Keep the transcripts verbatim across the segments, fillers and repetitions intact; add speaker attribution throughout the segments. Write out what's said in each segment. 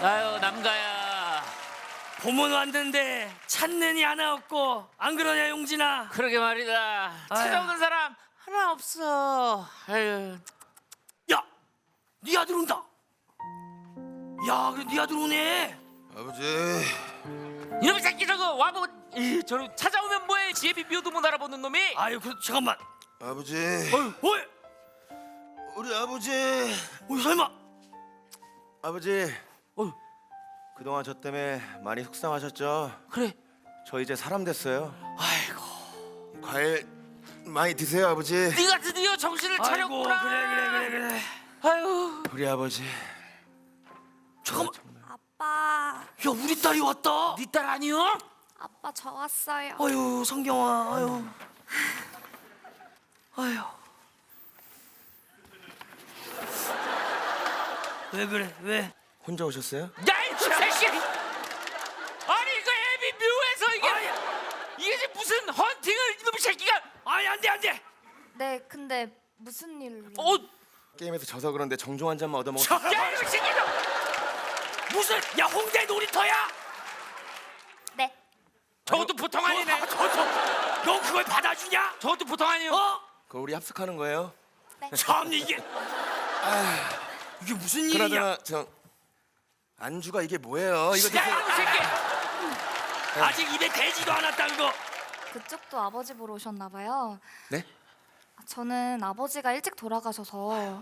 Speaker 1: 아유 남가야.
Speaker 2: 봄은 왔는데 찾는 이 하나 없고 안 그러냐 용진아?
Speaker 1: 그러게 말이다. 찾아오는 사람 하나 없어. 아유.
Speaker 2: 야, 네 아들 온다. 야, 그래 네 아들 오네.
Speaker 3: 아버지.
Speaker 1: 이놈의 새끼 저거 와보. 이, 저를 찾아오면 뭐해? 지혜비 묘도 못 알아보는 놈이.
Speaker 2: 아유, 그 잠깐만.
Speaker 3: 아버지.
Speaker 2: 어이, 어이,
Speaker 3: 우리 아버지.
Speaker 2: 어이 설마.
Speaker 3: 아버지.
Speaker 2: 어이,
Speaker 3: 그동안 저 때문에 많이 속상하셨죠?
Speaker 1: 그래.
Speaker 3: 저 이제 사람 됐어요.
Speaker 1: 아이고.
Speaker 3: 과일 많이 드세요, 아버지.
Speaker 1: 네가 드디어 정신을
Speaker 2: 아이고,
Speaker 1: 차렸구나.
Speaker 2: 그래, 그래, 그래, 그래.
Speaker 1: 아유.
Speaker 3: 우리 아버지.
Speaker 2: 잠깐만.
Speaker 4: 아빠,
Speaker 2: 야, 우리 딸이 왔다.
Speaker 1: 네 딸 아니요?
Speaker 4: 아빠 저 왔어요.
Speaker 2: 아유, 성경아, 아유, 아유. 왜 그래? 왜?
Speaker 3: 혼자 오셨어요?
Speaker 1: 야이 새끼. 아니 그 애비 묘에서 이게
Speaker 2: 아니,
Speaker 1: 이게 지금 무슨 헌팅을 이놈의 새끼가.
Speaker 2: 아니 안 돼, 안 돼.
Speaker 4: 네, 근데 무슨 일로?
Speaker 1: 어.
Speaker 3: 게임에서 져서 그런데 정종 한 잔만 얻어먹었.
Speaker 2: 자,
Speaker 1: 야 이놈의 새끼가.
Speaker 2: 무슨? 야, 홍대 놀이터야?
Speaker 4: 네.
Speaker 1: 저것도 보통 아니네.
Speaker 2: 저도. 너 그걸 받아주냐?
Speaker 1: 저것도 보통 아니요.
Speaker 2: 어?
Speaker 3: 그거 우리 합숙하는 거예요?
Speaker 2: 참 이게. 이게 무슨 일이냐?
Speaker 3: 그나저나 저 안주가 이게 뭐예요? 이거
Speaker 1: 야
Speaker 3: 드세요.
Speaker 1: 이놈의 새끼.
Speaker 2: 아직 입에 대지도 않았다는 거.
Speaker 4: 그쪽도 아버지 보러 오셨나 봐요.
Speaker 3: 네?
Speaker 4: 저는 아버지가 일찍 돌아가셔서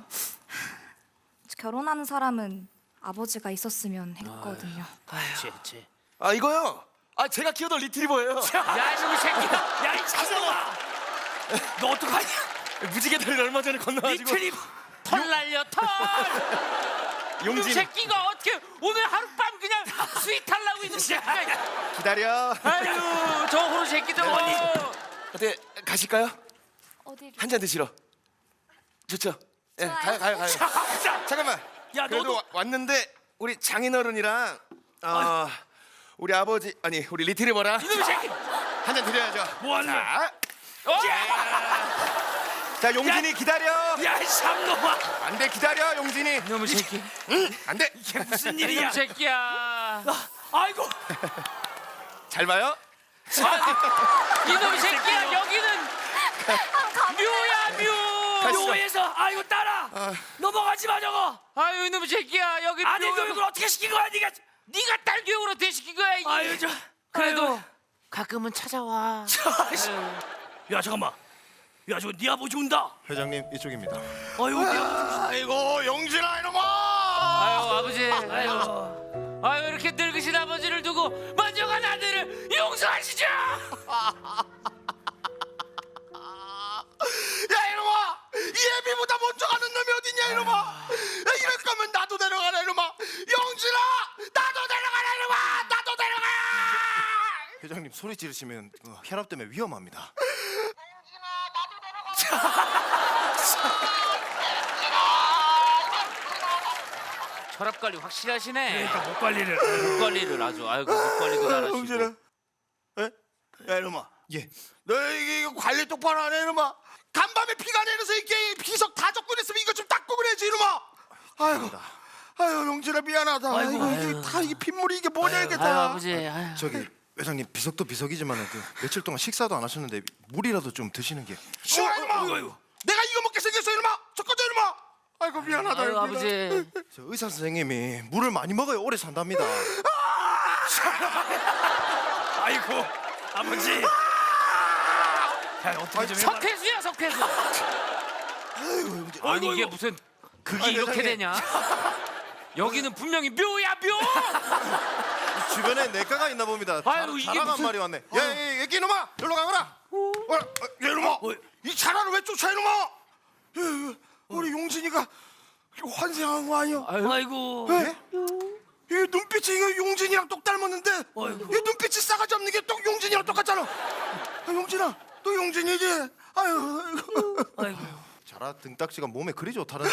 Speaker 4: 결혼하는 사람은 아버지가 있었으면 했거든요.
Speaker 1: 그렇지, 그렇지.
Speaker 3: 아 이거요. 아 제가 키우던 리트리버예요.
Speaker 1: 야 이놈의 새끼가.
Speaker 2: 야, 이 자식아. 너 어떡하냐?
Speaker 3: 무지개 다리를 얼마 전에 건너가지고.
Speaker 2: 리트리.
Speaker 1: 털 날려 털. 이놈
Speaker 3: 용진
Speaker 1: 새끼가 어떻게 오늘 하룻밤 그냥 스윗 하려고 이놈 새끼가.
Speaker 3: 기다려.
Speaker 1: 아유 저 호로 새끼 저거.
Speaker 3: 어때 가실까요?
Speaker 4: 어디로?
Speaker 3: 한 잔 드시러. 좋죠? 예,
Speaker 4: 좋아요.
Speaker 3: 가요, 가요, 가요.
Speaker 2: 자,
Speaker 3: 잠깐만.
Speaker 2: 야,
Speaker 3: 그래도
Speaker 2: 너도-
Speaker 3: 와- 왔는데 우리 장인어른이랑 어, 우리 아버지 아니 우리 리트리버랑
Speaker 1: 이놈의 새끼.
Speaker 3: 한 잔 드려야죠.
Speaker 2: 뭐 하는 거야?
Speaker 3: 자,
Speaker 1: 어?
Speaker 3: 자 용진이 기다려.
Speaker 2: 야, 이 샴놈아.
Speaker 3: 안돼 기다려 용진이.
Speaker 1: 이놈의 새끼.
Speaker 3: 응, 안돼.
Speaker 2: 이게 무슨 일이야?
Speaker 1: 이놈의 새끼야.
Speaker 2: 아, 아이고.
Speaker 3: 잘 봐요.
Speaker 1: 아, 이놈의 새끼야 여기는 묘야 묘.
Speaker 2: 묘에서 아이고 딸아. 넘어가지 마 저거.
Speaker 1: 아유 이놈의 새끼야 여기
Speaker 2: 아들
Speaker 1: 묘.
Speaker 2: 교육을 어떻게 시킨 거야 네가?
Speaker 1: 네가 딸 교육으로 대시킨 거야. 이.
Speaker 2: 아유 저.
Speaker 1: 그래도
Speaker 2: 아유.
Speaker 1: 가끔은 찾아와.
Speaker 2: 자, 씨. 야 잠깐만. 야 저거 네 아버지 온다.
Speaker 5: 회장님 이쪽입니다.
Speaker 2: 아유 네 아버지.
Speaker 3: 아이고 용진아 이놈아.
Speaker 1: 아유 아버지. 아유.
Speaker 2: 아유.
Speaker 1: 아유 이렇게 늙으신 아버지를 두고 먼저 간 아들을 용서하시죠.
Speaker 3: 야 이놈아 이 애비보다 먼저 가는 놈이 어딨냐 이놈아. 야, 이럴 거면 나도 데려가라 이놈아. 용진아 나도 데려가라 이놈아. 나도 데려가.
Speaker 5: 회장님 소리 지르시면 그 혈압 때문에 위험합니다.
Speaker 1: 혈압 관리 확실히 하시네.
Speaker 2: 그러니까 목 관리를.
Speaker 1: 목 관리를 아주 아이고 목 관리도 잘하시고.
Speaker 3: 용진아. 에? 야 이놈아.
Speaker 5: 예.
Speaker 3: 너 이게 이거 관리 똑바로 안 해 이놈아. 간밤에 피가 내려서 이게 비석 다 적고 있으면 이거 좀 닦고 그래야지 이놈아. 아이고. 아유 용진아 미안하다.
Speaker 2: 아이고,
Speaker 3: 아이고, 이게 다 이게 핏물이 이게 뭐냐 이게
Speaker 1: 아유
Speaker 3: 다.
Speaker 1: 아버지. 아유.
Speaker 5: 저기 회장님 비석도 비석이지만 그 며칠 동안 식사도 안 하셨는데 물이라도 좀 드시는 게.
Speaker 3: 싫어 이놈아.
Speaker 2: 아이고, 아이고.
Speaker 3: 내가 이거 먹게 생겼어 이놈아. 저 꺼져 이놈아. 아이고 미안하다.
Speaker 1: 아유
Speaker 3: 용진아.
Speaker 1: 아버지.
Speaker 5: 저 의사 선생님이 물을 많이 먹어야 오래 산답니다.
Speaker 2: 아이고 아버지. 야 어떻게 좀 해봐.
Speaker 1: 석회수야 석회수.
Speaker 3: 아이고 용진.
Speaker 1: 아니
Speaker 2: 아이고,
Speaker 1: 이게
Speaker 2: 아이고.
Speaker 1: 무슨 극이
Speaker 3: 아니,
Speaker 1: 이렇게
Speaker 3: 세상에.
Speaker 1: 되냐? 여기는 분명히 묘야 묘.
Speaker 5: 주변에 내과가 있나 봅니다.
Speaker 1: 아유, 이게
Speaker 5: 자라간
Speaker 1: 무슨-
Speaker 5: 말이 왔네.
Speaker 3: 야, 야, 야, 얘기 이놈아, 일로 가거라. 어, 어, 야, 이놈아,
Speaker 2: 어.
Speaker 3: 이 차라를 왜 쫓아 이놈아? 야, 야, 우리 용진이가 환생한 거 아니야?
Speaker 2: 아이고.
Speaker 3: 예? 이 눈빛이 이거 용진이랑 똑 닮았는데,
Speaker 2: 아이고.
Speaker 3: 이 눈빛이 싸가지 없는 게 똑 용진이랑 똑같잖아. 아, 용진아, 너 용진이지? 아유, 아이고.
Speaker 2: 아이고.
Speaker 5: 자라 등딱지가 몸에 그리 좋다는데.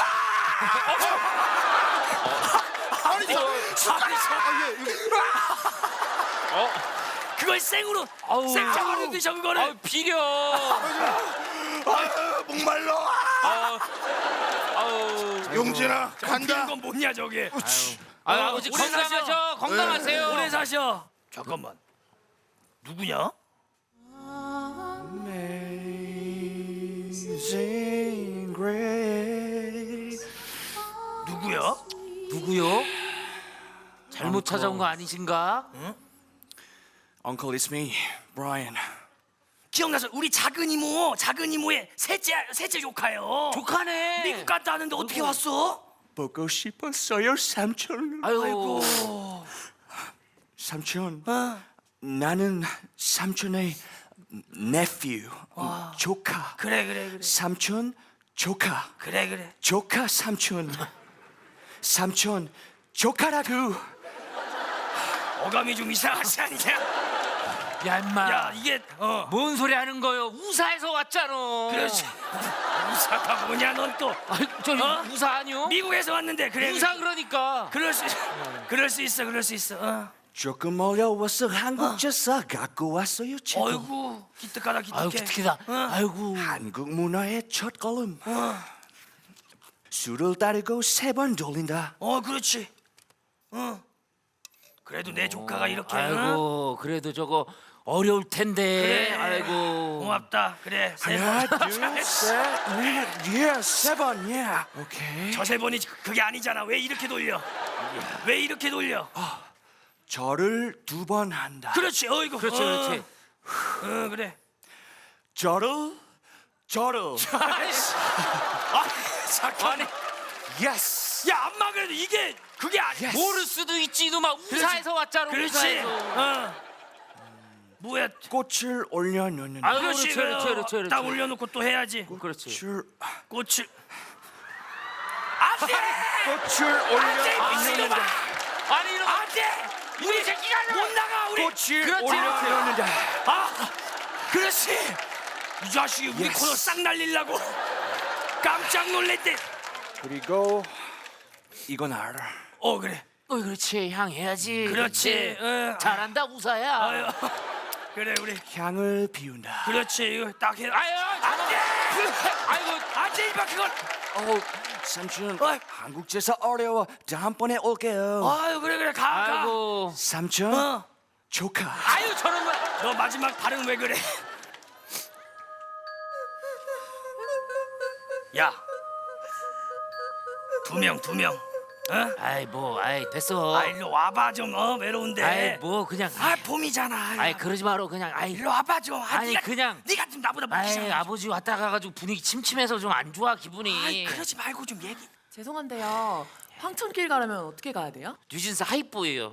Speaker 3: 아니, 저,
Speaker 2: 아니 저.
Speaker 5: 아, 예, 여기.
Speaker 1: 어?
Speaker 2: 그걸 생으로
Speaker 1: 아우.
Speaker 2: 생차가로 드셔 그거를.
Speaker 1: 아 비려.
Speaker 3: 아유, 목말라.
Speaker 1: 아, 아 아유.
Speaker 3: 용진아
Speaker 2: 핀
Speaker 3: 간다.
Speaker 2: 건 뭐냐 저게?
Speaker 1: 아유, 아버지
Speaker 2: 오래
Speaker 1: 건강하셔.
Speaker 2: 사셔.
Speaker 1: 건강하세요.
Speaker 2: 오래 사셔. 잠깐만. 누구냐?
Speaker 5: Amazing Grace.
Speaker 2: 누구야?
Speaker 1: 누구요? 잘못 찾아온 거 아니신가?
Speaker 5: Uncle, it's me, Brian.
Speaker 2: 기억나서 우리 작은 이모, 작은 이모의 셋째 셋째 조카요.
Speaker 1: 조카네.
Speaker 2: 미국 갔다 왔는데 어떻게 왔어?
Speaker 5: 보고 싶었어요, 삼촌.
Speaker 1: 아유.
Speaker 2: 아이고.
Speaker 5: 삼촌,
Speaker 2: 어.
Speaker 5: 나는 삼촌의 nephew, 조카.
Speaker 2: 그래 그래 그래.
Speaker 5: 삼촌, 조카.
Speaker 2: 그래 그래.
Speaker 5: 조카 삼촌. 삼촌, 조카라고.
Speaker 2: 어감이 좀 이상하지 않냐?
Speaker 1: 야 임마.
Speaker 2: 야 이게 어.
Speaker 1: 뭔 소리 하는 거요? 우사에서 왔잖아.
Speaker 2: 그렇지. 우사가 뭐냐 넌 또.
Speaker 1: 아이, 저
Speaker 2: 어?
Speaker 1: 우사 아니요?
Speaker 2: 미국에서 왔는데 그래.
Speaker 1: 우사 그러니까.
Speaker 2: 그럴 수 그럴 수 있어 그럴 수 있어. 어.
Speaker 5: 조금 어려워서 한국에서 갖고 왔어요, 책.
Speaker 2: 어이구 기특하다 기특해.
Speaker 1: 아유 기특이다.
Speaker 2: 어.
Speaker 1: 아이고.
Speaker 5: 한국 문화의 첫 걸음.
Speaker 2: 어.
Speaker 5: 술을 따르고 세 번 돌린다.
Speaker 2: 어 그렇지. 어. 그래도 내 조카가 이렇게. 어?
Speaker 1: 아이고 그래도 저거 어려울 텐데.
Speaker 2: 그래.
Speaker 1: 아이고.
Speaker 2: 고맙다. 그래. 세
Speaker 5: 하나,
Speaker 2: 번.
Speaker 5: 둘, 셋, 넷, 예, 세 번, 예. 오케이.
Speaker 2: 저 세 번이 그게 아니잖아. 왜 이렇게 돌려? 왜 이렇게 돌려?
Speaker 5: 저를 두 번 한다.
Speaker 2: 그렇지. 어이구.
Speaker 1: 그렇지
Speaker 2: 어.
Speaker 1: 그렇지.
Speaker 2: 어 그래.
Speaker 5: 저를, 저를.
Speaker 2: 아이씨. 아 잠깐.
Speaker 5: 예스.
Speaker 2: 야 안마 그래도 이게 그게 아니야.
Speaker 1: 모를 수도 있지 이놈아. 우사에서 왔잖아.
Speaker 2: 그렇지.
Speaker 1: 우사에서.
Speaker 2: 어. 뭐야?
Speaker 5: 꽃을 올려놓는다.
Speaker 1: 아유
Speaker 2: 그렇지.
Speaker 1: 그렇지 그렇지 그렇지. 그렇지.
Speaker 2: 딱 올려놓고 또 해야지.
Speaker 1: 그렇지.
Speaker 5: 꽃을,
Speaker 2: 꽃을. 안돼.
Speaker 5: 꽃을
Speaker 2: 안돼
Speaker 5: 올려놓는다.
Speaker 2: 미친놈아.
Speaker 1: 아니 이놈아.
Speaker 2: 안돼. 우리 새끼가 못 나가 우리.
Speaker 5: 꽃을
Speaker 1: 그렇지,
Speaker 5: 올려놓는다.
Speaker 2: 아, 그렇지. 이 자식이 우리
Speaker 5: Yes.
Speaker 2: 코너 싹 날리려고 깜짝 놀랬대.
Speaker 5: 그리고 이건 알아.
Speaker 2: 어 그래.
Speaker 1: 어 그렇지 향해야지.
Speaker 2: 그렇지. 어.
Speaker 1: 잘한다 우사야.
Speaker 2: 아유, 그래 우리.
Speaker 5: 향을 비운다.
Speaker 2: 그렇지. 이거 딱 해.
Speaker 1: 아유
Speaker 2: 안돼.
Speaker 1: 아이고
Speaker 2: 안돼 이봐 그건.
Speaker 5: 어, 삼촌,
Speaker 2: 어이.
Speaker 5: 한국에서 어려워. 다음번에 올게요.
Speaker 2: 아유 그래 그래 가 가.
Speaker 1: 아이고.
Speaker 5: 삼촌,
Speaker 2: 어.
Speaker 5: 조카.
Speaker 1: 아유 저런 거.
Speaker 2: 너 마지막 발음 왜 그래? 야. 두 명 두 명. 어?
Speaker 1: 아이 뭐 아이 됐어.
Speaker 2: 아 일로 와봐 좀. 어 외로운데.
Speaker 1: 아이 뭐 그냥.
Speaker 2: 아 봄이잖아.
Speaker 1: 아이 그러지 마라 그냥. 아이.
Speaker 2: 일로 와봐 좀. 아,
Speaker 1: 아니,
Speaker 2: 네가,
Speaker 1: 그냥-
Speaker 2: 네가 좀 나보다
Speaker 1: 아이
Speaker 2: 먹기잖아.
Speaker 1: 아버지 왔다 가가지고 분위기 침침해서 좀 안 좋아 기분이.
Speaker 2: 아이 그러지 말고 좀 얘기.
Speaker 6: 죄송한데요. 황천길 가려면 어떻게 가야 돼요?
Speaker 1: 뉴진스 하이보예요.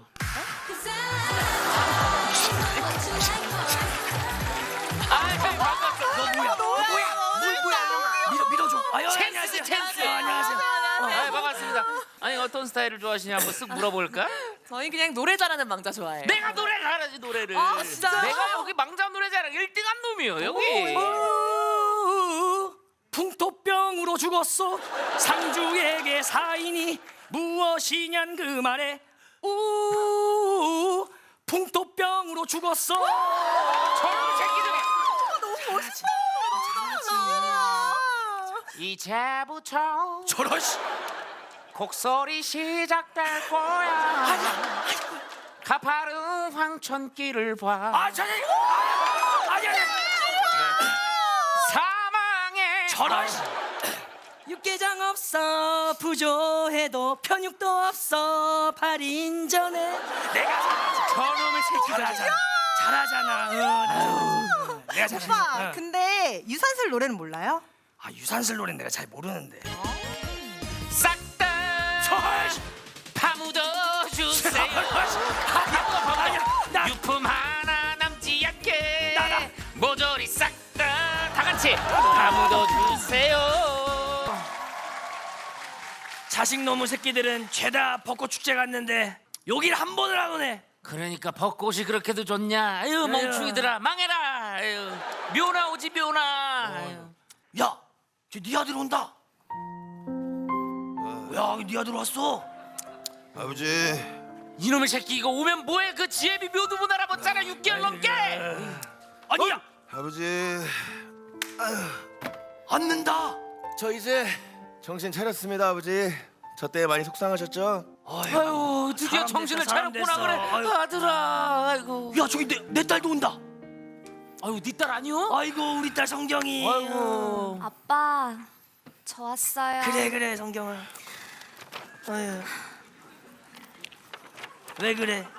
Speaker 1: 아이 반갑다.
Speaker 2: 너 뭐야? 너 뭐야? 뭘 뭐야? 밀어 밀어줘. 아유
Speaker 1: 찬스지,
Speaker 2: 안녕하세요.
Speaker 1: 찬스.
Speaker 2: 어, 안녕하세요.
Speaker 1: 아이 반갑습니다. 아니 어떤 스타일을 좋아하시냐 한번 쓱 물어볼까?
Speaker 6: 저희 그냥 노래 잘하는 망자 좋아해요.
Speaker 1: 내가 노래 잘하지 노래를.
Speaker 6: 아, 진짜요?
Speaker 1: 내가 여기 망자 노래자랑 일 등한 놈이요 여기.
Speaker 2: 우, 풍토병으로 죽었어. 상주에게 사인이 무엇이냔 그 말에 우 풍토병으로 죽었어.
Speaker 1: 저런 새끼들이. 이제부터
Speaker 2: 저런 씨.
Speaker 1: 곡소리 시작될 거야. 가파른 황천길을 봐.
Speaker 2: 아 저기 아, 아니 아니
Speaker 1: 사망의
Speaker 2: 저런 씨. 육개장 없어 부조해도 편육도 없어 팔 인 전에 내가 잘하지.
Speaker 1: 저놈의 새끼가
Speaker 2: 잘하잖아. 잘하잖아. 어, 나. 내가 잘하지.
Speaker 7: 오빠,
Speaker 2: 어.
Speaker 7: 근데 유산슬 노래는 몰라요?
Speaker 2: 아 유산슬 노래 내가 잘 모르는데.
Speaker 1: 싹다
Speaker 2: 저런 씨.
Speaker 1: 파묻어 주세요.
Speaker 2: 아니야 나
Speaker 1: 유품 하나 남지 않게
Speaker 2: 나가.
Speaker 1: 모조리 싹 다 다 같이 파묻어 주세요.
Speaker 2: 자식 놈의 새끼들은 죄다 벚꽃 축제 갔는데 여길 한 번을 안 오네.
Speaker 1: 그러니까 벚꽃이 그렇게도 좋냐? 아유
Speaker 2: 아유.
Speaker 1: 멍충이들아 망해라. 아유 묘나 오지 묘나. 아유.
Speaker 2: 야, 저 네 아들 온다. 야, 네 아들 왔어.
Speaker 3: 아버지
Speaker 1: 이놈의 새끼 이거 오면 뭐해? 그 지혜비 묘도 못 알아봤잖아 육 개월 넘게.
Speaker 2: 아니야,
Speaker 3: 아버지
Speaker 2: 앉는다.
Speaker 5: 저 이제
Speaker 8: 정신 차렸습니다, 아버지. 저 때 많이 속상하셨죠?
Speaker 1: 아유 드디어
Speaker 2: 사람
Speaker 1: 정신을
Speaker 2: 됐어, 사람
Speaker 1: 차렸구나
Speaker 2: 됐어.
Speaker 1: 그래.
Speaker 2: 아유.
Speaker 1: 아들아. 아이고.
Speaker 2: 야 저기 내, 내 딸도 온다.
Speaker 1: 아유 네 딸 아니요?
Speaker 2: 아이고 우리 딸 성경이.
Speaker 1: 아이고.
Speaker 4: 아빠, 저 왔어요.
Speaker 2: 그래 그래 성경아. 아유. 왜 그래?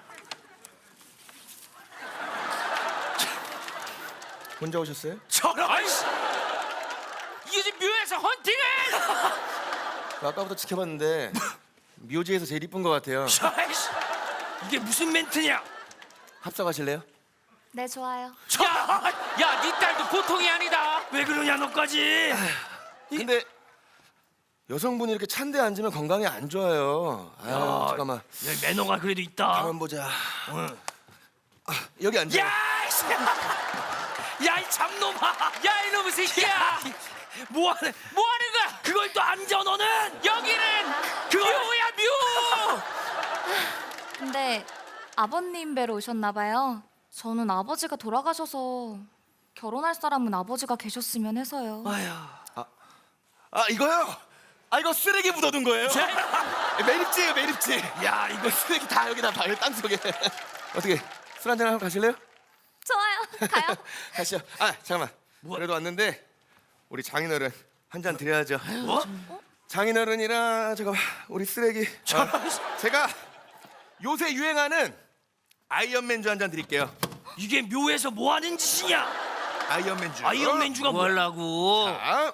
Speaker 8: 혼자 오셨어요?
Speaker 2: 저런.
Speaker 1: 아이씨. 이게 지금 묘에서 헌팅을.
Speaker 8: 아까부터 지켜봤는데 묘지에서 제일 이쁜 것 같아요.
Speaker 2: 아이씨. 이게 무슨 멘트냐?
Speaker 8: 합석하실래요?
Speaker 4: 네, 좋아요.
Speaker 1: 야, 야, 네 딸도 보통이 아니다.
Speaker 2: 왜 그러냐 너까지?
Speaker 8: 근데 여성분이 이렇게 찬데 앉으면 건강에 안 좋아요. 아,
Speaker 2: 야.
Speaker 8: 잠깐만.
Speaker 2: 여기 매너가 그래도 있다.
Speaker 8: 가만 보자. 아, 여기 앉아.
Speaker 2: 야, 이 야이 잡놈아.
Speaker 1: 야, 이놈의 새끼야.
Speaker 2: 뭐하는?
Speaker 1: 뭐 하는 거야?
Speaker 2: 그걸 또 앉아 너는?
Speaker 1: 여기는
Speaker 2: 그거-
Speaker 1: 묘야, 묘.
Speaker 4: 근데 아버님 뵈러 오셨나 봐요. 저는 아버지가 돌아가셔서 결혼할 사람은 아버지가 계셨으면 해서요.
Speaker 2: 아휴.
Speaker 8: 아 이거요? 아 이거 쓰레기 묻어둔 거예요? 매립지예요 매립지.
Speaker 2: 야 이거
Speaker 8: 쓰레기 다 여기다 봐요 땅속에. 어떻게 술 한잔 하고 가실래요?
Speaker 4: 좋아요. 가요.
Speaker 8: 가시죠. 아 잠깐만. 그래도 왔는데 우리 장인어른 한 잔 드려야죠.
Speaker 2: 뭐?
Speaker 8: 장인어른이랑 잠깐만 우리 쓰레기. 어, 제가 요새 유행하는 아이언맨주 한 잔 드릴게요.
Speaker 2: 이게 묘에서 뭐 하는 짓이냐?
Speaker 8: 아이언맨주.
Speaker 2: 아이언맨주가
Speaker 1: 뭐
Speaker 2: 뭐야?
Speaker 1: 하려고?
Speaker 8: 아,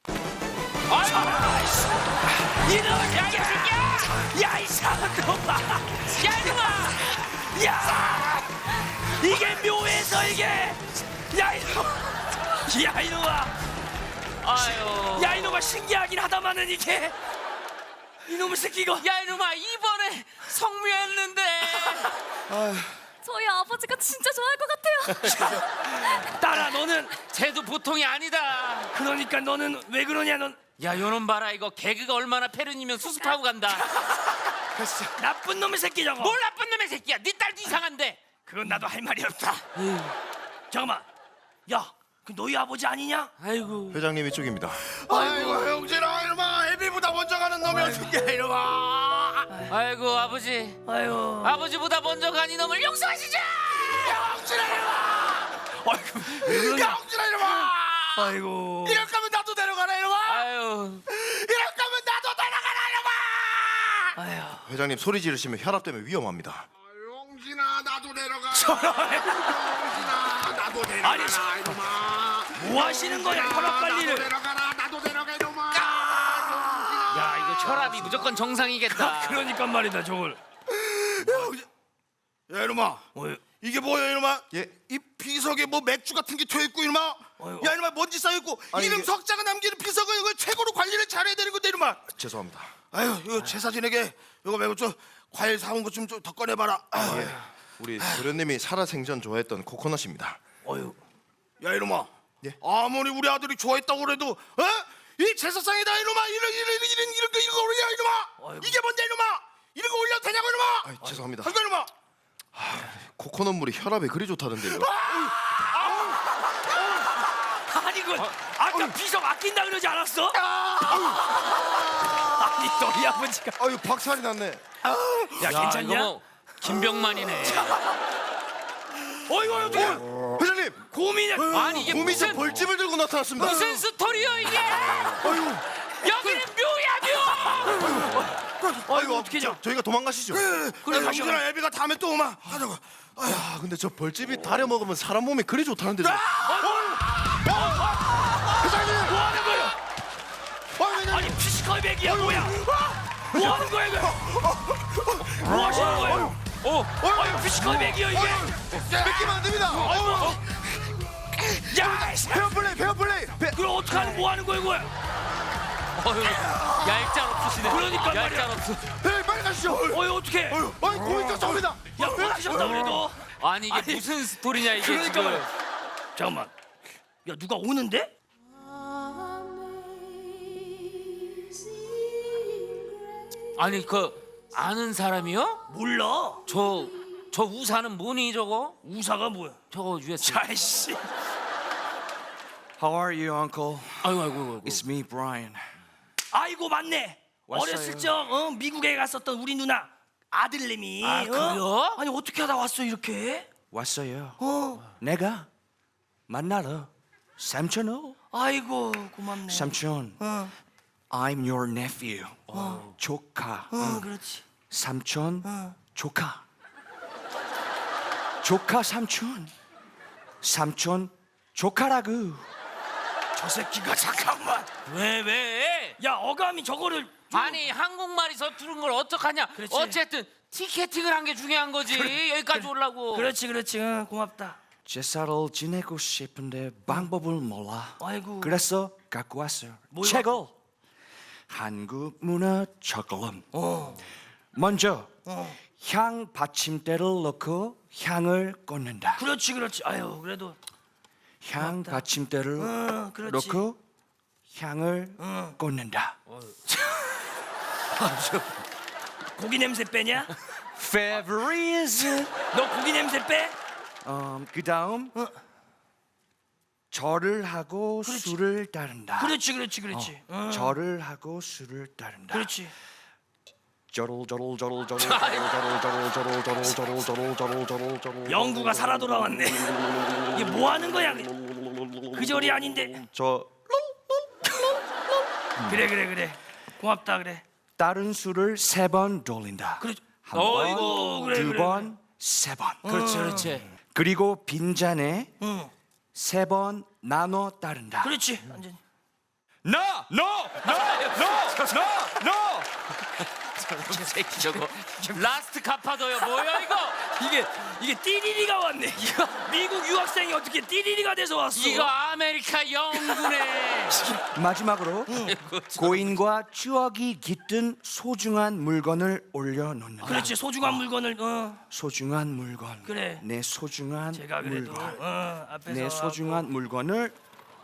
Speaker 2: 이놈 야, 이 새끼야! 야, 이 사람놈아!
Speaker 1: 야, 이놈아!
Speaker 2: 야! 이게 묘에서 이게! 야, 이놈! 야, 이놈아!
Speaker 1: 아유.
Speaker 2: 야, 이놈아 신기하긴 하다마는 이게! 이놈의 새끼 이거!
Speaker 1: 야, 이놈아 이번에 성묘했는데.
Speaker 4: 저희 아버지가 진짜 좋아할 것 같아요.
Speaker 2: 딸아, 너는
Speaker 1: 쟤도 보통이 아니다.
Speaker 2: 그러니까 너는 왜 그러냐, 넌
Speaker 1: 야, 요놈 봐라 이거 개그가 얼마나 패륜이면 수습하고 간다.
Speaker 2: 나쁜 놈의 새끼 저거!
Speaker 1: 뭘 나쁜 놈의 새끼야. 네 딸도 이상한데.
Speaker 2: 그건 나도 할 말이 없다. 잠깐만, 야, 그 너희 아버지 아니냐?
Speaker 1: 아이고.
Speaker 5: 회장님 이쪽입니다.
Speaker 3: 아이고 형제라 이놈아 애비보다 먼저 가는 놈이 어떻게 이놈아.
Speaker 1: 아이고 아버지.
Speaker 2: 아유,
Speaker 1: 아버지보다 먼저 간 이놈을 용서하시자.
Speaker 3: 형제라 이놈아.
Speaker 2: 아이고, 왜 그러냐?
Speaker 3: 형제라 이놈아.
Speaker 2: 아이고,
Speaker 3: 이럴 거면 나도 데려가라 이놈아.
Speaker 1: 아유.
Speaker 3: 이럴 거면 나도 데려가라 이놈아.
Speaker 2: 아유.
Speaker 5: 회장님 소리 지르시면 혈압 때문에 위험합니다.
Speaker 3: 용진아 나도 데려가. 용진아 나도 데려가라
Speaker 2: 아니, 저-
Speaker 3: 이놈아.
Speaker 2: 뭐 하시는 거야, 혈압
Speaker 3: 나도
Speaker 2: 관리를?
Speaker 3: 데려가라 나도 데려가 이놈아.
Speaker 1: 야 이거 혈압이 무조건 정상이겠다.
Speaker 2: 그러니까 말이다, 저걸.
Speaker 3: 야 이놈아.
Speaker 2: 뭐,
Speaker 3: 이게 뭐야 이놈아?
Speaker 5: 예.
Speaker 3: 이 비석에 뭐 맥주 같은 게 튀어있고 이놈아.
Speaker 2: 어휴.
Speaker 3: 야 이놈아 먼지 쌓여있고
Speaker 5: 아니,
Speaker 3: 이름
Speaker 5: 이게-
Speaker 3: 석자가 남기는 비석은 이거 최고로 관리를 잘해야 되는 건데 이놈아.
Speaker 5: 죄송합니다.
Speaker 3: 아유 이거 제사진에게 이거 말고 좀 과일 사온 거 좀 더 꺼내봐라. 아유.
Speaker 5: 예. 우리 도련님이 살아생전 좋아했던 코코넛입니다.
Speaker 2: 어휴.
Speaker 3: 야 이놈아.
Speaker 5: 예.
Speaker 3: 아무리 우리 아들이 좋아했다고 그래도 어? 이 제사상에다 이놈아 이런 이런 이런 이런 이런 거 이런 거 올려 이놈아.
Speaker 2: 아이고.
Speaker 3: 이게 뭔데 이놈아? 이런 거 올려도 되냐고 이놈아?
Speaker 5: 아, 죄송합니다.
Speaker 3: 한거 이놈아.
Speaker 5: 코코넛 물이 혈압에 그리 좋다던데요.
Speaker 2: 아니 그 아까 비석 아낀다 그러지 않았어? 아니 너희 아버지가
Speaker 5: 아유 박살이 났네.
Speaker 2: 야,
Speaker 1: 야,
Speaker 2: 괜찮냐?
Speaker 1: 이거 뭐 김병만이네.
Speaker 2: 어이구 어떻게
Speaker 5: 회장님
Speaker 2: 고민을
Speaker 1: 아니 이게
Speaker 5: 곰이 저
Speaker 1: 무슨
Speaker 5: 벌집을 들고 나타났습니다.
Speaker 1: 무슨 스토리요 이게?
Speaker 5: 아유,
Speaker 1: 여기는 묘야 묘.
Speaker 2: 어이구 어떻게 저
Speaker 5: 저희가 도망가시죠.
Speaker 3: 그래 형준아 애비가 다음에 또 오마 하자고.
Speaker 5: 아 근데 저 벌집이 다려 먹으면 사람 몸에 그리 좋다는데. 저-
Speaker 2: 뭐 하는 거야? 아니 피지컬 백이야 뭐야? 뭐 하는 거야 이거? 뭐 하시는 거예요?
Speaker 1: 어.
Speaker 2: 아유 피지컬 백이요 이게?
Speaker 5: 뺏기면 안 됩니다. 아유,
Speaker 2: 야 이씨.
Speaker 5: 페어플레이, 페어플레이. 페...
Speaker 2: 그럼 어떡하는 뭐 하는 거야 이거?
Speaker 1: 어휴, 얄짤 없으시네.
Speaker 2: 그러니까 말이야.
Speaker 1: 얄짤 없어.
Speaker 5: 네, 빨리 가시죠.
Speaker 2: 어이 어떻게?
Speaker 5: 아유, 아유, 곰이 쫓아옵니다.
Speaker 2: 야 어떻게셨다 그래도?
Speaker 1: 아니 이게
Speaker 2: 아니,
Speaker 1: 무슨 스토리냐 이게
Speaker 2: 그러니까
Speaker 1: 지금.
Speaker 2: 말이야. 잠깐만. 야 누가 오는데?
Speaker 1: 아니 그 아는 사람이요?
Speaker 2: 몰라.
Speaker 1: 저 저 우사는 뭐니 저거?
Speaker 2: 우사가 뭐야?
Speaker 1: 저거 유에스.
Speaker 2: 자이씨.
Speaker 9: How are you, Uncle?
Speaker 1: 아이고 아이고 아이고.
Speaker 9: It's me, Brian.
Speaker 2: 아이고 맞네.
Speaker 1: 왔어요.
Speaker 2: 어렸을 적 어, 미국에 갔었던 우리 누나 아들내미.
Speaker 1: 아,
Speaker 2: 어?
Speaker 1: 그래요?
Speaker 2: 아니 어떻게 하다 왔어 이렇게?
Speaker 1: 왔어요.
Speaker 2: 어.
Speaker 1: 내가 만나러 삼촌어.
Speaker 2: 아이고 고맙네.
Speaker 1: 삼촌.
Speaker 2: 어.
Speaker 1: I'm your nephew. 조카.
Speaker 2: 어 그렇지.
Speaker 1: 삼촌.
Speaker 2: 어.
Speaker 1: 조카. 조카 삼촌. 삼촌 조카라고.
Speaker 2: 저 새끼가 잠깐만.
Speaker 1: 왜 왜?
Speaker 2: 야 어감이 저거를 좀-
Speaker 1: 아니 한국말이 서투른 걸 어떡하냐?
Speaker 2: 그렇지.
Speaker 1: 어쨌든 티켓팅을 한 게 중요한 거지. 여기까지 오려고.
Speaker 2: 그렇지 그렇지. 응, 고맙다.
Speaker 1: 제사를 지내고 싶은데 방법을 몰라.
Speaker 2: 아이고.
Speaker 1: 그래서 갖고 왔어요.
Speaker 2: 뭘
Speaker 1: 책을.
Speaker 2: 갖고?
Speaker 1: 한국 문화 적금.
Speaker 2: 어.
Speaker 1: 먼저
Speaker 2: 어.
Speaker 1: 향 받침대를 넣고 향을 꽂는다.
Speaker 2: 그렇지 그렇지. 아유 그래도
Speaker 1: 향 받침대를
Speaker 2: 어, 그렇지.
Speaker 1: 넣고 향을
Speaker 2: 어.
Speaker 1: 꽂는다.
Speaker 2: 고기 냄새 빼냐?
Speaker 1: Favorite.
Speaker 2: 너 고기 냄새 빼?
Speaker 1: 음, 그다음
Speaker 2: 어.
Speaker 1: 절을 하고 술을 따른다.
Speaker 2: 그렇지 그렇지 그렇지. 어.
Speaker 1: 절을 하고 술을 따른다.
Speaker 2: 그렇지.
Speaker 1: 저롤 저롤 저롤 저롤 저롤 저롤 저롤 저롤 저롤 저롤 저롤 저롤 저롤 저롤
Speaker 2: 영구가 살아 돌아왔네. 이게 뭐 하는 거야? 그 절이 아닌데.
Speaker 1: 저
Speaker 2: 그래 그래 그래. 고맙다 그래.
Speaker 1: 다른 술을 세 번 돌린다.
Speaker 2: 그래.
Speaker 1: 한
Speaker 2: 어이구,
Speaker 1: 번,
Speaker 2: 그래,
Speaker 1: 두
Speaker 2: 그래,
Speaker 1: 번, 세 번.
Speaker 2: 그렇지 그렇지.
Speaker 1: 그리고 빈잔에
Speaker 2: 응.
Speaker 1: 세 번 나눠 따른다.
Speaker 2: 그렇지. 완전히.
Speaker 1: No, no, no, no, no, no. 저 새끼 저거 라스트 카파도요. 뭐야 이거?
Speaker 2: 이게 이게 띠리리가 왔네. 이거 미국 유학생이 어떻게 띠리리가 돼서 왔어?
Speaker 1: 이거 아메리카 영군의 마지막으로 고인과 추억이 깃든 소중한 물건을 올려놓는다.
Speaker 2: 그렇지 소중한 물건을 어
Speaker 1: 소중한 물건.
Speaker 2: 그래.
Speaker 1: 내 소중한
Speaker 2: 제가 그래도
Speaker 1: 물건.
Speaker 2: 어 앞에서
Speaker 1: 내 소중한 물건을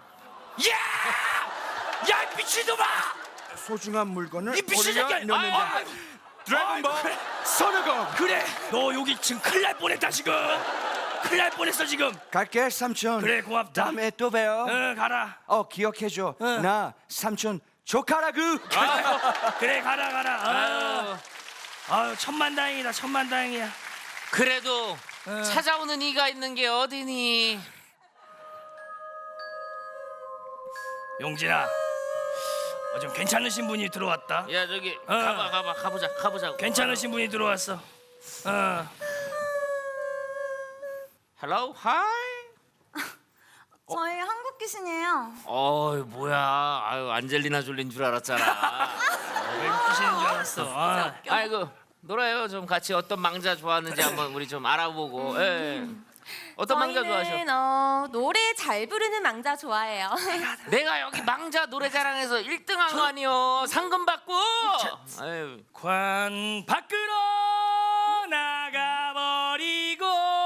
Speaker 2: 야! 야 미친놈아!
Speaker 1: 소중한 물건을
Speaker 2: 이 미친 새끼야!
Speaker 1: 올려놓는다.
Speaker 2: 아,
Speaker 1: 드래곤볼
Speaker 2: 아, 그래.
Speaker 1: 선우공.
Speaker 2: 그래 너 여기 지금 큰일 날 뻔했다 지금 큰일 날 뻔했어 지금
Speaker 1: 갈게 삼촌.
Speaker 2: 그래, 고맙다.
Speaker 1: 다음에 또 봬요.
Speaker 2: 어 가라
Speaker 1: 어 기억해줘.
Speaker 2: 응.
Speaker 1: 나 삼촌 조카라고.
Speaker 2: 그래 가라 가라 아유, 아유 천만다행이다 천만다행이야
Speaker 1: 그래도 찾아오는 이가 있는 게 어디니?
Speaker 2: 용진아 어, 좀 괜찮으신 분이 들어왔다
Speaker 1: 야 저기
Speaker 2: 어.
Speaker 1: 가봐 가봐 가보자 가보자.
Speaker 2: 괜찮으신 분이 들어왔어 어
Speaker 1: Hello, hi.
Speaker 4: 저희 한국 귀신이에요.
Speaker 1: 어이 뭐야? 아유 안젤리나 졸린 줄 알았잖아.
Speaker 2: 외국이시는 줄 알았어 아.
Speaker 1: 아이고 놀아요. 좀 같이 어떤 망자 좋아하는지 한번 우리 좀 알아보고. 예. 어떤 망자 좋아하셔?
Speaker 4: 저희는 어, 노래 잘 부르는 망자 좋아해요.
Speaker 1: 내가 여기 망자 노래자랑에서 일 등 한 거 아니요? 상금 받고. 아유.
Speaker 2: 관 밖으로 나가버리고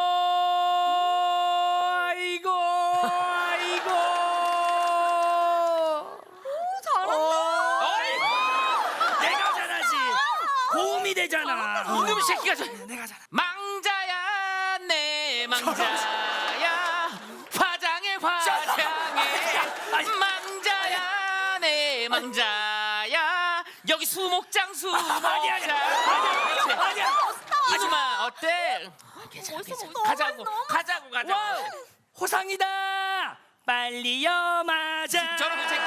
Speaker 2: 아이고 아이고
Speaker 4: 잘한다.
Speaker 2: 내가 잘하지 고음이 되잖아
Speaker 1: 이놈 새끼가 저
Speaker 2: 내가 잘하
Speaker 1: 망자야 내 망자야 화장해 화장해 망자야 내 망자야 여기 수목장 수목장
Speaker 2: 아니 아니 아니 아니야
Speaker 1: 이놈아 어때? 가자고 가자고 가자고
Speaker 2: 호상이다 빨리 염하자
Speaker 1: 저런 새끼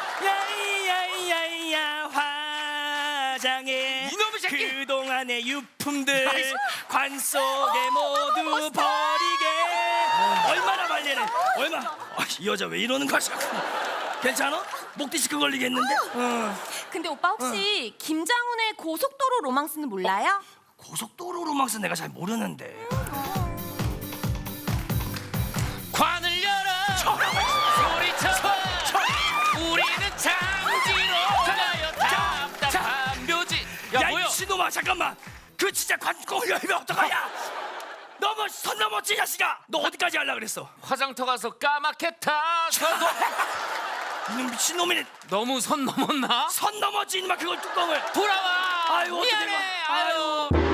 Speaker 2: 야야야야 화장해
Speaker 1: 이놈의 새끼!
Speaker 2: 그동안의 유품들 관 속에 모두 버리게 얼마나 말리네 얼마 아, 이 여자 왜 이러는 거야 자꾸 괜찮아? 목 디스크 걸리겠는데? 어.
Speaker 4: 근데 오빠 혹시 김장훈의 고속도로 로망스는 몰라요?
Speaker 2: 고속도로 로망스 내가 잘 모르는데
Speaker 1: 관을 열어 소리쳐봐 우리는 장지로 가요 답답한 묘지 야,
Speaker 2: 야,
Speaker 1: 뭐야
Speaker 2: 이 신놈아 잠깐만 그 진짜 관꽁을 열면 어떡하냐 너무 선 넘었지 자식아 너 어디까지 하려고 그랬어
Speaker 1: 화장터 가서 까맣게 타서도
Speaker 2: 이놈 미친놈이네
Speaker 1: 너무 선 넘었나?
Speaker 2: 선 넘었지 이놈아 그걸 뚜껑을
Speaker 1: 돌아와
Speaker 2: 아유, 어떡해,
Speaker 1: 미안해
Speaker 2: 이거. 아유.
Speaker 1: 아유